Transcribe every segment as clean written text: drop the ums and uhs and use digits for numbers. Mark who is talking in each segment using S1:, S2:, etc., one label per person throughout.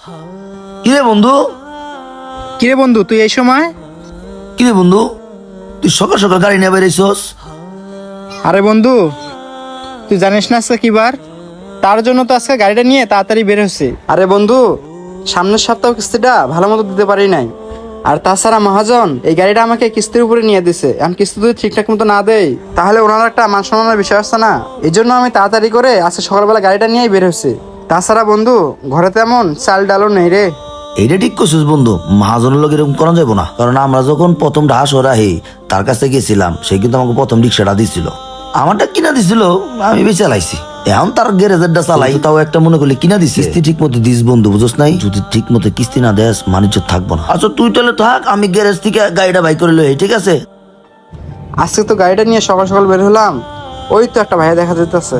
S1: কিরে বন্ধু?
S2: কিরে বন্ধু, তুই এই সময়?
S1: কিরে বন্ধু, তুই সকাল সকাল গাড়ি নিয়ে বেরিয়েছস?
S2: আরে বন্ধু, তুই জানিস না আজকে কি বার? তার জন্য তো আজকে গাড়িটা নিয়ে তাড়াতাড়ি বের হচ্ছে। আরে বন্ধু, সামনের সপ্তাহ কিস্তিটা ভালো মতো দিতে পারি নাই। আর তাছাড়া মহাজন এই গাড়িটা আমাকে কিস্তির উপরে নিয়ে দিছে। আমি কিস্তি যদি ঠিকঠাক মতো না দেই তাহলে ওনার একটা মান সম্মানের বিষয় আছে না। এই জন্য আমি তাড়াতাড়ি করে আজকে সকালবেলা গাড়িটা নিয়েই বের হচ্ছে। তাছাড়া বন্ধু, ঘরে তেমন চাল ডালও নেই রে।
S1: এইটা ঠিক করছিস বন্ধু, মহাজনের লোক এরকম করা যাবো না। কারণ আমরা যখন প্রথম ঢাস ওরাহি তার কাছে গেছিলাম, সে কিন্তু আমাকে প্রথম রিক্সাটা দিছিল। আমারটা কিনা দিছিল, আমি বেশি চালাইছি। এখন তার গ্যারেজেরটা চালাই, তাও একটা মনে করলে কিনা দিছি। কিস্তি ঠিক মতো দিস বন্ধু, বুঝছ নাই? যদি ঠিক মতো কিস্তি না দেস মানিজ্য থাকবো না। আচ্ছা তুই তাহলে থাক, আমি গ্যারেজ থেকে গাড়িটা বাই করে লই, ঠিক আছে?
S2: আজকে তো গাড়িটা নিয়ে সকাল সকাল বের হলাম, ওই তো একটা ভাইয়া দেখা যেতেছে।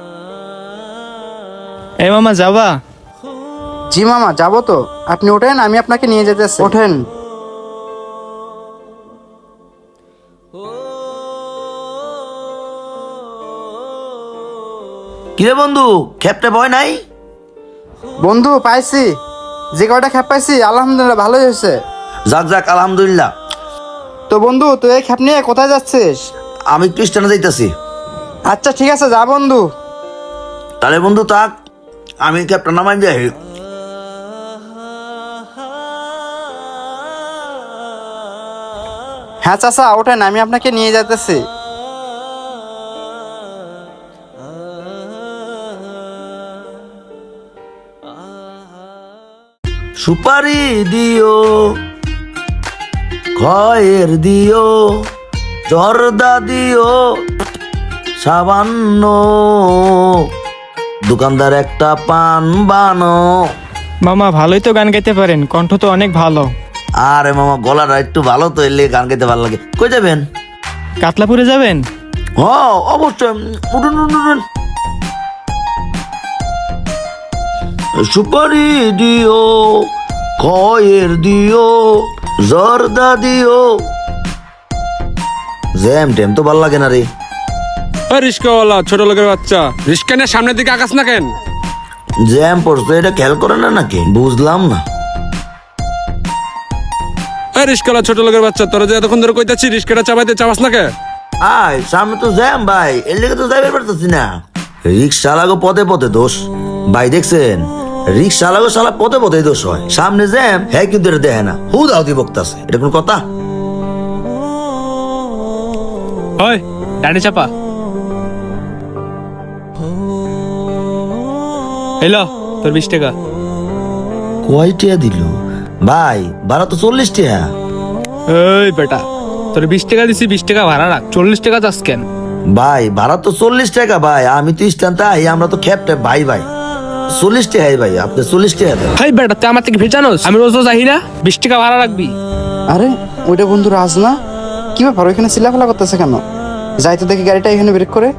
S3: এই মামা যাবা?
S2: জি মামা, যাবো তো। আপনি ওঠেন, আমি আপনাকে নিয়ে যেতেছি। ওঠেন।
S1: কিরে বন্ধু, খেপটে ভয় নাই?
S2: বন্ধু পাইছি, যে কয়টা খ্যাপ পাইছি আলহামদুলিল্লাহ ভালোই হয়েছে।
S1: যাক যাক, আলহামদুলিল্লাহ।
S2: তো বন্ধু, তুই এই খ্যাপ নিয়ে কোথায় যাচ্ছিস?
S1: আমি খ্রিস্টানে যাইতাছি।
S2: আচ্ছা ঠিক আছে, যা বন্ধু।
S1: তাহলে বন্ধু থাক, আমি ক্যাপ্টেন নামাই যাই।
S2: হ্যাঁ চাচা, ওঠেন, আমি আপনাকে নিয়ে যেতেছি।
S1: সুপারি দিও, খয়ের দিও, জর্দা দিও সাবান্ন, দোকানদার একটা পান বানো।
S3: মামা ভালোই তো গান গাইতে পারেন, কণ্ঠ তো অনেক ভালো।
S1: আরে মামা, গলাটা একটু ভালো তো, এলে গান গাইতে ভালো লাগে। কই যাবেন?
S3: কাতলাপুরে যাবেন?
S1: হ অবশ্যই, উঠুন উঠুন উঠুন। সুপারি দিও, খয়ের দিও, জর্দা দিও। জ্যাম ট্যাম তো ভাল লাগে না রে।
S4: রিস্কাওয়ালা ছোট লোকের বাচ্চা, রিস্কা নিয়ে সামনের দিকে আকাশ না কেন?
S1: জ্যাম পড়ছে, এটা খেয়াল করে না নাকি? বুঝলাম না।
S4: রিস্কাওয়ালা ছোট লোকের বাচ্চা, তোরা যে এতক্ষণ ধরে কইতাছি রিস্কাটা চাবাইতে চাবাস না কে?
S1: আয় সামনে তো জ্যাম ভাই, এর লেগে তো যাইবার পারতেছি না। রিক্সা লাগো পথে পথে দোষ ভাই, দেখছেন? রিক্সা লাগো শালা পথে পথে দোষ হয়। সামনে জ্যাম, হ্যাঁ কিন্তু এটা দেখে না, হু দাউদি বকতাছে। এটা কোন কথা?
S3: হয় ডানে চাপা। এলো তোর 20 টাকা।
S1: কয়টিয়া দিল ভাই? ভাড়া তো 40 টাকা।
S3: এই বেটা, তোর 20 টাকা দিছি, 20 টাকা ভাড়া রাখ। 40 টাকা চাস কেন?
S1: ভাই ভাড়া তো 40 টাকা ভাই, আমি তো স্ট্যান্ড আই, আমরা তো খেপটে ভাই ভাই। 40 টাকাই ভাই, আপনি 40 টাকা দেন।
S3: হাই বেটা, তুই আমার থেকে ভেজানোস? আমি রোজ রোজ আহি না, 20 টাকা ভাড়া রাখবি।
S2: আরে ওইটা বন্ধু রাজ না? কি ব্যাপার, ওইখানে চিল্লাফালা করতেছে কেন? যাই তো দেখি গাড়িটা এখানে ব্রেক করে।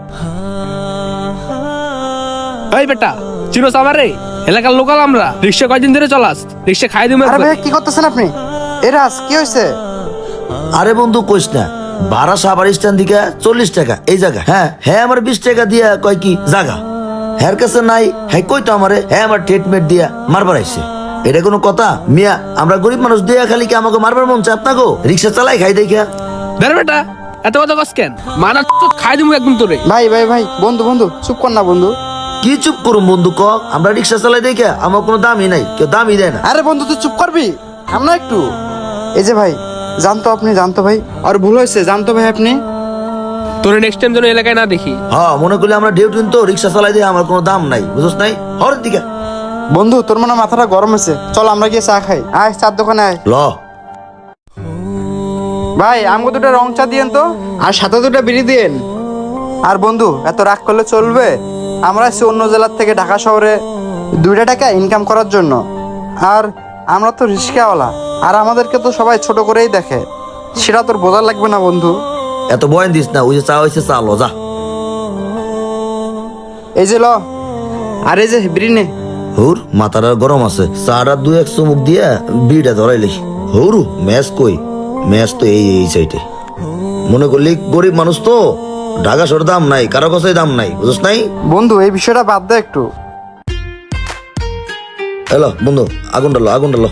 S3: এই বেটা, চিনোস আমারে? এলাকার লোকাল আমরা। রিক্সা কয়দিন ধরে চলাস? রিক্সা খাই দিমু
S2: আরে
S3: একবার।
S2: ভাই, কি করতেছেন আপনি? এ রাজ, কি হয়েছে?
S1: আরে বন্ধু কইস না, ভাড়া সাভার স্ট্যান্ড দিকে 40 টাকা এই জায়গা। হ্যাঁ হ্যাঁ, আমার 20 টাকা দিয়া কয় কি জায়গা হ্যার কাছে নাই। হ্যাঁ কই তো আমারে, হ্যাঁ আমার ট্রিটমেন্ট দিয়া মারবার আইছে। এটা কোনো কথা মিয়া? আমরা গরিব মানুষ দিয়া খালি কি আমাকে মারবার মন চায় আপনাকে? রিক্সা চালাই খাই দেখা।
S3: ধর বেটা, এত কথা কস কেন? মারা তো খাই দিমু একদম তোরে।
S2: ভাই ভাই ভাই, বন্ধু বন্ধু চুপ কর না বন্ধু।
S1: কি চুপ করুম বন্ধু ক? আমরা রিক্সা চালাই দেখা আমার কোনো দামই নাই, কেউ দামই দেয় না।
S2: আরে বন্ধু, তুই চুপ করবি? আমরা একটু। এই যে ভাই, জানতো আপনি, জানতো ভাই, আর ভুল হয়েছে, জানতো ভাই আপনি।
S3: তোরে নেক্সট টাইম যেন এলাকায় না দেখি।
S1: হ্যাঁ মনে করলে আমরা ডিউটি তো রিক্সা চালাই দিয়ে আমার কোনো দাম নাই, বুঝছ নাই? হরের দিকে
S2: বন্ধু, তোর মনে হয় মাথাটা গরম হয়েছে, চল আমরা গিয়ে চা খাই। আয় চার দোকানে আয়।
S1: ল।
S2: ভাই আমাকে দুটো রং চা দিয়েন তো, আর সাথে দুটো বিড়ি দিয়েন। আর বন্ধু, এত রাগ করলে চলবে? আমরা এসেছি অন্য জেলার থেকে ঢাকা শহরে 2 টাকা ইনকাম করার জন্য। আর আমরা তো রিস্কাওয়ালা, আর আমাদেরকে তো সবাই ছোট করেই দেখে। সেটা তোর বোঝা লাগবে না বন্ধু।
S1: এত বয়ান দিস না, ওই যে চা হয়েছে চা ল যা।
S2: এই যে ল, আর এই যে বিড়ি নে।
S1: হুর মাথাটা গরম আছে, চাটা 2-1 চুমুক দিয়া বিড়টা ধরাইলি। হরু ম্যাচ কই? ম্যাচ তো এই এই সাইডে। মনে করলি গরিব মানুষ তো, ঢাকা শহর দাম নাই, কারো কাছে দাম নাই, বুঝছ নাই?
S2: বন্ধু এই বিষয়টা বাদ দে একটু।
S1: হ্যালো বন্ধু, আগুন ডালো।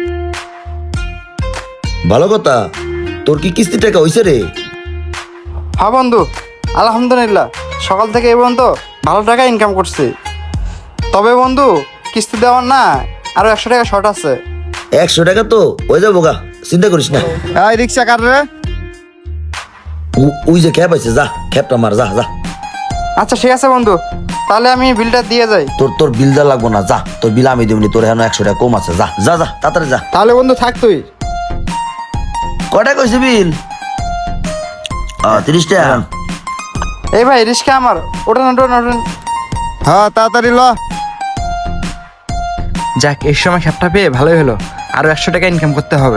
S1: ভালো কথা, তোর কি কিস্তি টাকা হইছে রে?
S2: হ্যাঁ বন্ধু, আলহামদুলিল্লাহ সকাল থেকে এই পর্যন্ত ভালো টাকা ইনকাম করছি। তবে বন্ধু, কিস্তি দেওয়ার না আরো 100 টাকা শর্ট আছে।
S1: 100 টাকা তো হয়ে যাবো গা, চিন্তা করিস না।
S2: এই রিক্সা কার রে?
S1: ওই যে ক্যাব আছে, যা ক্যাবটা মার, যা যা।
S2: আচ্ছা ঠিক আছে বন্ধু, তাহলে আমি বিলটা দিয়ে যাই।
S1: তোর বিল দেওয়া লাগবো না, যা তোর বিল আমি দিবনি, তোর এখন 100 টাকা কম আছে, যা যা যা তাড়াতাড়ি যা।
S2: তাহলে বন্ধু থাক তুই।
S1: কটা কইছে বিল? 30 টাকা।
S2: এই ভাই রিক্সা আমার, ওঠেন। হ্যাঁ তাড়াতাড়ি ল। যাক, এই সময় খ্যাপটা পেয়ে ভালোই হলো, আরো 100 টাকা ইনকাম করতে হবে।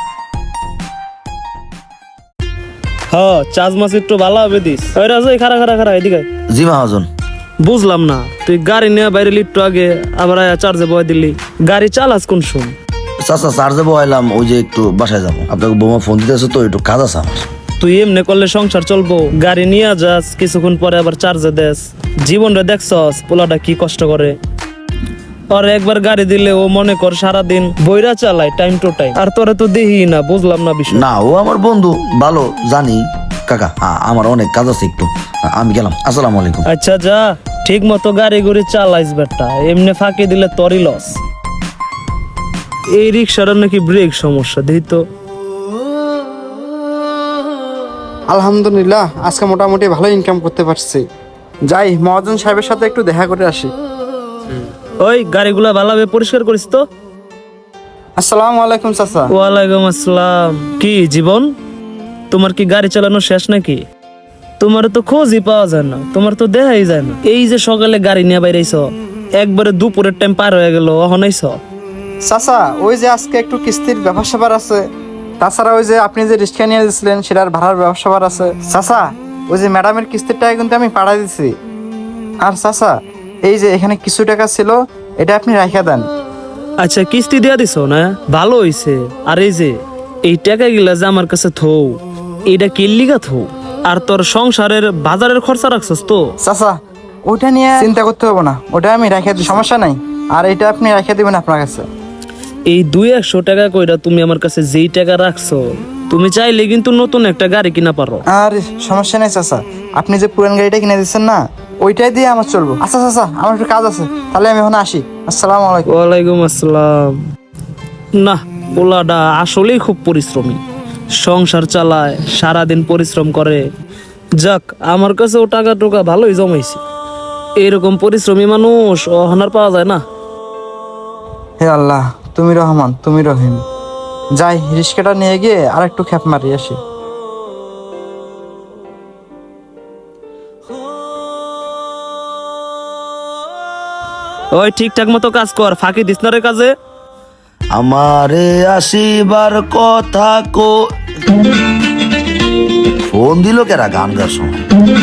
S5: হ্যাঁ, চার্জ মাছ একটু ভালো হবে দিস। ওই রাজু, খারা এদিকে আয়।
S1: জি মহাজন।
S5: বুঝলাম না, তুই গাড়ি নিয়ে বাইরে একটু আগে আবার চার্জে বয় দিলি। গাড়ি চালাস কোন শুন?
S1: চাচা চার্জে বহাইলাম, ওই যে একটু বাসায় যাবো, আপনাকে বৌমা ফোন দিতেছে তো, একটু কাজ আছে আমার।
S5: তুই এমনি করলে সংসার চলবো? গাড়ি নিয়ে যাস, কিছুক্ষণ পরে আবার চার্জে দেস। জীবনটা দেখছস পোলাটা কি কষ্ট করে। আর একবার গাড়ি দিলে ও মনে কর সারাদিন বইরা চালায় টাইম টু টাইম, আর তোরে তো দেখি না। বুঝলাম না বিষয়।
S1: না, ও আমার বন্ধু, ভালো জানি। কাকা আমার অনেক কাজ আছে একটু, আমি গেলাম, আসসালামু আলাইকুম।
S5: আচ্ছা যা, ঠিক মতো গাড়ি গুড়ি চালাইস বেটা, এমনি ফাঁকি দিলে তোরই লস। এই রিক্সাটার নাকি ব্রেক সমস্যা, দেখি তো।
S2: আলহামদুলিল্লাহ আজকে মোটামুটি ভালো ইনকাম করতে পারছি। যাই, মহাজন সাহেবের সাথে একটু দেখা করে আসি।
S5: ওই গাড়িগুলা ভালোভাবে পরিষ্কার করিস তো।
S2: আসসালামু আলাইকুম চাচা।
S5: ওয়ালাইকুম আসসালাম। কি জীবন, তোমার কি গাড়ি চালানো শেষ নাকি? তোমার তো খোঁজই পাওয়া যায় না, তোমার তো দেখাই যায় না। এই যে সকালে গাড়ি নিয়ে বাইরেছ, একবারে দুপুরের টাইম পার হয়ে গেল, এখন আইছ।
S2: চাচা, ওই যে আজকে একটু কিস্তির ব্যাপার স্যাপার আছে, তাছাড়া ওই যে আপনি যে রিক্সা নিয়ে দিয়েছিলেন সেটার ভাড়ার ব্যাপার স্যাপার আছে। চাচা, ওই যে ম্যাডামের কিস্তির টাকা কিন্তু আমি পাঠাই দিছি। আর চাচা, এই যে এখানে কিছু টাকা ছিল, এটা আপনি রাখা দেন।
S5: আচ্ছা, কিস্তি দিয়া দিছ না, ভালো হইছে। আর এই যে এই টাকা গিলা যে আমার কাছে থৌ, এইটা কিল্লিগা থৌ। আর তোর সংসারের বাজারের খরচা রাখছস তো।
S2: চাচা, ওইটা নিয়ে চিন্তা করতে হবে না, ওটা আমি রেখে দিই, সমস্যা নাই। আর এটা আপনি রেখে দিবেন আপনার কাছে।
S5: এই 200 টাকা কইরা তুমি আমার কাছে যেই টাকা রাখছো, তুমি চাইলে কিন্তু নতুন একটা গাড়ি কিনা পারো।
S2: আর সমস্যা নেই চাচা, আপনি যে পুরান গাড়িটা কিনে দিচ্ছেন না, ওইটাই দিয়ে আমার চলবো। আচ্ছা চাচা, আমার একটু কাজ আছে, তাহলে আমি এখন আসি। আসসালামু আলাইকুম।
S5: ওয়ালাইকুম আসসালাম। না, পোলাটা আসলেই খুব পরিশ্রমী, সংসার চালায়, সারাদিন পরিশ্রম করে। যাক, আমার কাছেও টাকা টোকা ভালোই জমাইছে। এরকম পরিশ্রমী মানুষ অহনার পাওয়া যায় না।
S2: হে আল্লাহ, তুমি রহমান, তুমি রহিম। যাই, রিক্সাটা নিয়ে গিয়ে আর একটু খ্যাপ মারি আসি।
S5: ওই ঠিকঠাক মতো কাজ কর, ফাঁকি দিস না রে কাজে।
S1: আমারে আসিবার কথা কো, ফোন দিল কেরা গান গার সময়?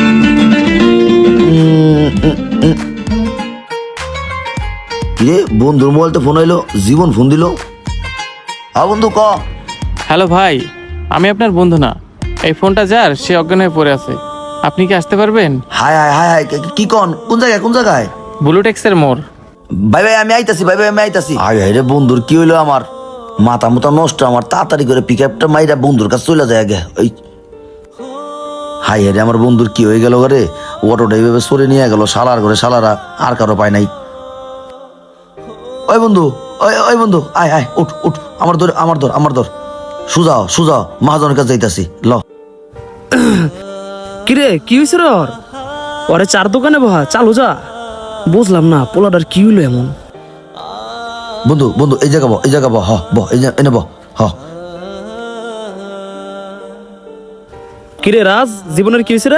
S1: কিরে, বন্ধুর মোবাইল তো ফোন হইলো, জীবন ফোন দিল। বন্ধু ক।
S6: হ্যালো ভাই, আমি আপনার বন্ধু না। এই ফোনটা যার, সে অজ্ঞান হয়ে পড়ে আছে। আপনি কি আসতে পারবেন?
S1: হাই হাই হাই হাই, কি কন? কোন জায়গায়?
S6: ব্লুটেক্সের মোড়।
S1: ভাই আমি আইতাছি, আমি আইতাছি। হাই হাই রে, বন্ধুর কি হইলো? আমার মাথা মুথা নষ্ট, আমার তাড়াতাড়ি করে পিক আপটা মাইরা বন্ধুর কাছে চলে যায় আগে। ওই হাই হাই রে, আমার বন্ধুর কি হয়ে গেল রে? অটোটা এইভাবে সরে নিয়ে গেল, শালার করে শালারা আর কারো পায় নাই। ওই বন্ধু, ওই বন্ধু, আয় আয়, উঠ, আমার ধর। সুজাও মহাজনের কাছে যাইতাছি, ল।
S5: কিরে, কি হয়েছে রে? ওরে চার দোকানে বহা, চালু যা। বুঝলাম না পোলাটার কি হইলো এমন।
S1: বন্ধু এই জায়গা হ এনে হ।
S5: কিরে রাজ, জীবনের কি হয়েছে রে?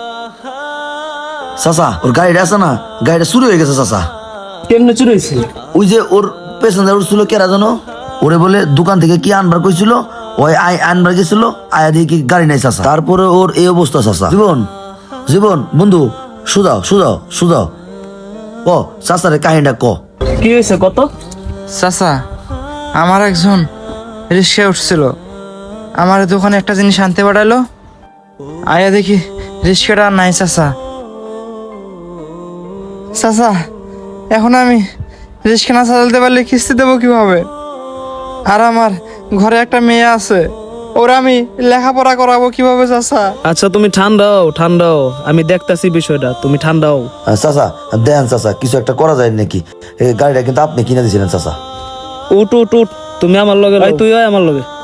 S1: চাচা, ওর গাড়িটা আছে না, গাড়িটা চুরি হয়ে গেছে চাচা।
S5: কেমনে চুরি হয়েছে?
S1: ওই যে ওর প্যাসেঞ্জার উঠছিল কেরা জানো, ওরে বলে দোকান থেকে কি আনবার কইছিল, ওই আনবার গেছিল, আয়া দিয়ে কি গাড়ি নাই চাচা। তারপরে ওর এই অবস্থা চাচা। জীবন বন্ধু, সুজাও ক চাচারে কাহিনীটা ক।
S5: কি হয়েছে কত?
S2: চাচা, আমার একজন রিক্সায় উঠছিল, আমার দোকানে একটা জিনিস আনতে পাঠালো, আয়া দেখি রিক্সাটা আর নাই চাচা। এখন আমি রিক্সা না চালাতে পারলে কিস্তি দেবো কিভাবে? আর আমার ঘরে একটা মেয়ে আছে, ওরা আমি লেখাপড়া করাবো কিভাবে চাচা?
S5: আচ্ছা তুমি ঠান্ডাও আমি দেখতাছি বিষয়টা, তুমি ঠান্ডাও।
S1: চাচা দেন চাচা, কিছু একটা করা যায় নাকি? এই গাড়িটা কিন্তু আপনি কিনে দিয়েছিলেন চাচা।
S5: উঠ উঠ উঠ, তুমি আমার লগে লও, তুই হয় আমার লগে।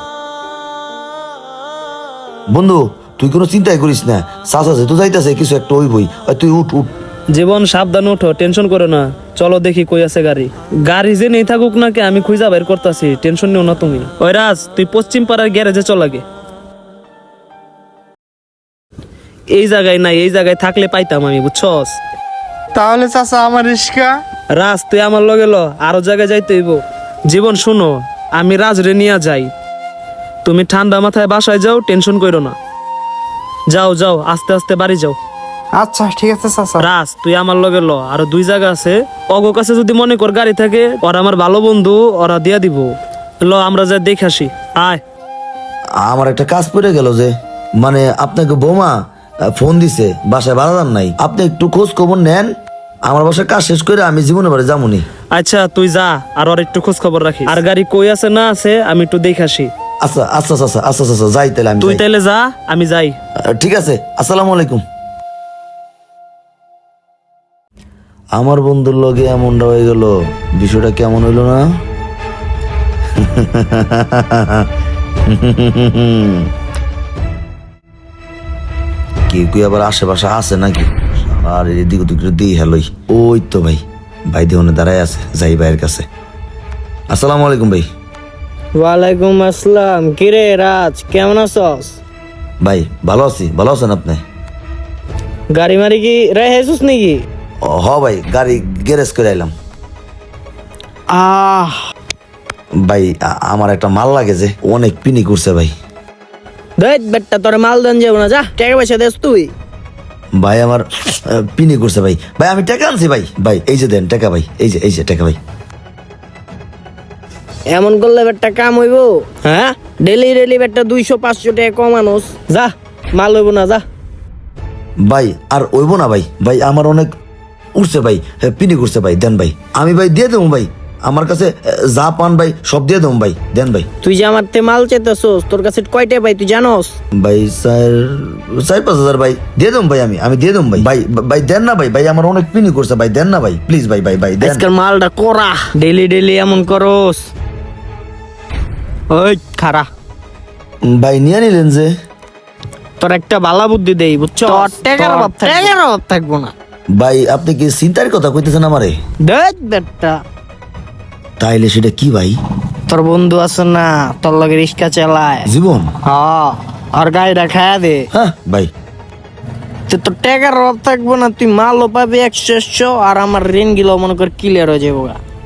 S1: বন্ধু তুই কোনো চিন্তাই করিস না, চাচা যেহেতু যাইতেছে কিছু একটা হইবই। তুই উঠ উঠ।
S5: জীবন সাবধান উঠো, টেনশন করো না। চলো দেখি কই আছে গাড়ি। গাড়ি যে নেই থাকুক না কে, আমি খুঁজা বের করতেছি, টেনশন নিও না তুমি। ওই রাজ, তুই পশ্চিম পাড়ার গ্যারেজে চল আগে। এই জায়গায় নাই, এই জায়গায় থাকলে পাইতাম আমি, বুঝছস?
S2: তাহলে চাচা আমার রিক্সা?
S5: রাজ তুই আমার লগে ল, আরো জায়গায় যাইতে হইব। জীবন শুনো, আমি রাজ রে নিয়া যাই, তুমি ঠান্ডা মাথায় বাসায় যাও, টেনশন করো না। যাও যাও, আস্তে আস্তে বাড়ি যাও।
S2: আচ্ছা ঠিক আছে চাচা।
S5: রাজ তুই আমার লগে ল, আরো 2 জায়গা আছে, অগো কাছে যদি মনে কর গাড়ি থাকে, ওরা আমার ভালো বন্ধু, ওরা দিয়া দিব। ল আমরা যা দেখে আসি, আয়।
S1: আমার একটা কাজ পড়ে গেল যে, মানে আপনাকে বৌমা ফোন দিছে, বাসায় ভাড়া দান নাই। আপনি একটু খোঁজ খবর নেন, আমার বাসায় কাজ শেষ করে আমি জীবনে বাড়ি যামুনি।
S5: আচ্ছা তুই যা, আর ওর একটু খোঁজ খবর রাখি। আর গাড়ি কই আছে না আছে আমি একটু দেখে আসি।
S1: আচ্ছা আচ্ছা আচ্ছা আচ্ছা আচ্ছা যাই তাহলে আমি
S5: তুই
S1: যাই।
S5: তাইলে যা, আমি যাই।
S1: ঠিক আছে, আসসালামু আলাইকুম। আমার বন্ধুর লগে এমনটা হয়ে গেল, বিষয়টা কেমন হইল না? কেউ কেউ আবার আশেপাশে আছে নাকি? আর এদিক ওদিক দিই হ্যালোই। ওই তো ভাই, ভাই দেহনে দাঁড়ায় আছে, যাই ভাইয়ের কাছে। আসসালামু আলাইকুম ভাই।
S7: ওয়ালাইকুম আসসালাম। কিরে রাজ, কেমন আছস?
S1: ভাই ভালো আছি, ভালো আছেন আপনি?
S7: গাড়ি মারি কি রেহেছিস নাকি?
S1: হ ভাই, গাড়ি গ্যারেজ করে আইলাম। ভাই আমার একটা মাল লাগে যে, অনেক পিনি করছে ভাই।
S7: দেখ বেটা, তোর মাল দেন যাবো না, যা টাকা পয়সা দেস তুই।
S1: ভাই আমার পিনি করছে ভাই। ভাই আমি টাকা আনছি ভাই। ভাই এই যে দেন টাকা ভাই, এই যে টাকা ভাই।
S7: এমন করলে বেটা কাম হইব? হ্যাঁ, ডেলি ডেলি বেটা 200-500 টাকা কমানোস, যা মাল হইব না, যা।
S1: ভাই আর ওইব না ভাই, ভাই আমার অনেক উঠছে ভাই, পিনি করছে ভাই, দেন ভাই। আমি ভাই দিয়ে দেবো ভাই, আমার কাছে যা পান ভাই সব দিয়ে দেবো ভাই, দেন ভাই।
S7: তুই যে আমার তে মাল চেতেছস, তোর কাছে কয়টা ভাই তুই জানোস?
S1: ভাই 4-5 হাজার ভাই দিয়ে দেবো ভাই, আমি দিয়ে দেবো ভাই। ভাই ভাই দেন না ভাই, ভাই আমার অনেক পিনি করছে ভাই, দেন না ভাই প্লিজ ভাই, ভাই ভাই দেন।
S7: আজকাল মালটা করা, ডেলি ডেলি এমন করস। ওই খারা,
S1: ভাই নিয়ে নিলেন যে।
S7: তোর একটা বালা বুদ্ধি দেই, বুঝছো? টাকার অভাব থাকবো না।
S1: ভাই আপনি কি চিন্তার কথা কইতেছেন আমারে?
S7: দেখ বেটা,
S1: তাইলে সেটা কি ভাই?
S7: তোর বন্ধু আছে না, তোর লগে রিক্সা চালায়,
S1: জীবন?
S7: হ্যাঁ, আর গাড়িটা খায়া দে।
S1: হ্যাঁ ভাই।
S7: তোর টাকার অভাব থাকবো না, তুই মালও পাবি 100, আর আমার ঋণ গুলো মনে কর ক্লিয়ার হয়ে যাবো।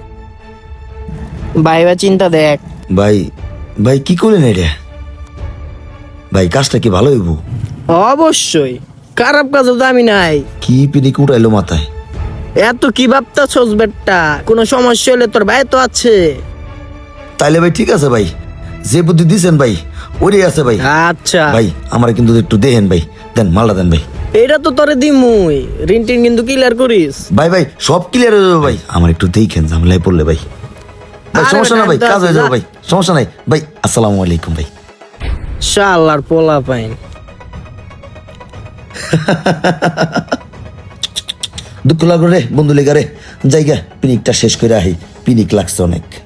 S7: ভাইবা চিন্তা দেখ।
S1: ভাই ভাই কি করলেন এটা? ভাই কাজটা কি ভালো হইব?
S7: অবশ্যই, খারাপ কাজ তো আমি নাই।
S1: কি পিনিক উঠাইলো মাথায়?
S7: এত কি ভাবতাছস বেটা? কোনো সমস্যা হলে তোর ভাই তো আছে।
S1: তাইলে ভাই ঠিক আছে ভাই, যে বুদ্ধি দিছেন ভাই ওইটাই আছে ভাই।
S7: আচ্ছা
S1: ভাই আমার কিন্তু একটু দেখেন ভাই, দেন মালটা দেন ভাই।
S7: এটা তো তোরে দিমুই, ঋণ টিন কিন্তু ক্লিয়ার করিস।
S1: ভাই ভাই সব ক্লিয়ার হয়ে যাবে ভাই, আমার একটু দেখেন ঝামেলায় পড়লে ভাই। ভাই
S7: আরে
S1: সমস্যা না ভাই,
S7: বেটা,
S1: কাজ হয়ে যাবে
S7: যা।
S1: ভাই, সমস্যা নাই ভাই। আসসালামু আলাইকুম ভাই।
S7: শালার পোলা পাইন।
S1: দুঃখ লাগলো রে বন্ধু লেগা রে, জায়গা পিনিকটা শেষ করে আহি, পিনিক লাগছে অনেক।